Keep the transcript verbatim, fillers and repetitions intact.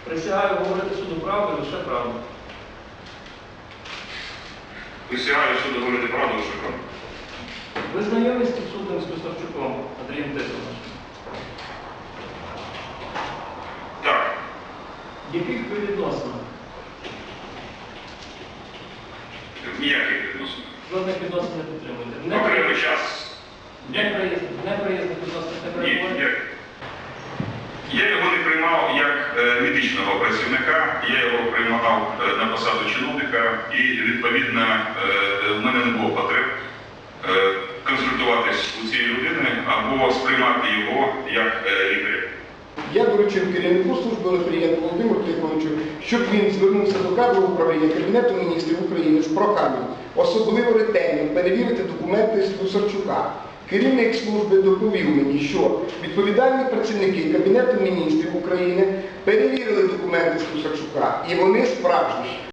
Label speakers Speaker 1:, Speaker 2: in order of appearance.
Speaker 1: Присягаю говорити суду правду, лише правду.
Speaker 2: Присягаю суду говорити правду, лише правду.
Speaker 1: Ви знайомі з підсудним Слюсарчуком Андрієм Тихоновичем?
Speaker 2: Так.
Speaker 1: Яких ви відносинах?
Speaker 2: Ніяких відносин.
Speaker 1: Жодних відносин не підтримуєте?
Speaker 2: Окремий час.
Speaker 1: Неприязних відносин не
Speaker 2: Ні,
Speaker 1: перебуваєте?
Speaker 2: я, я його не приймав як е, медичного працівника, я його приймав е, на посаду чиновника і, відповідно, е, в мене не було потреб е, консультуватись у цієї людини або сприймати його як е, лікаря.
Speaker 3: Я доручив керівнику служби Онуфрієнку Володимиру Тихоновичу, щоб він звернувся до кадрового управління Кабінету міністрів України з проханням особливо ретельно перевірити документи Слюсарчука. Керівник служби доповів мені, що відповідальні працівники Кабінету міністрів України перевірили документи Слюсарчука, і вони справжні.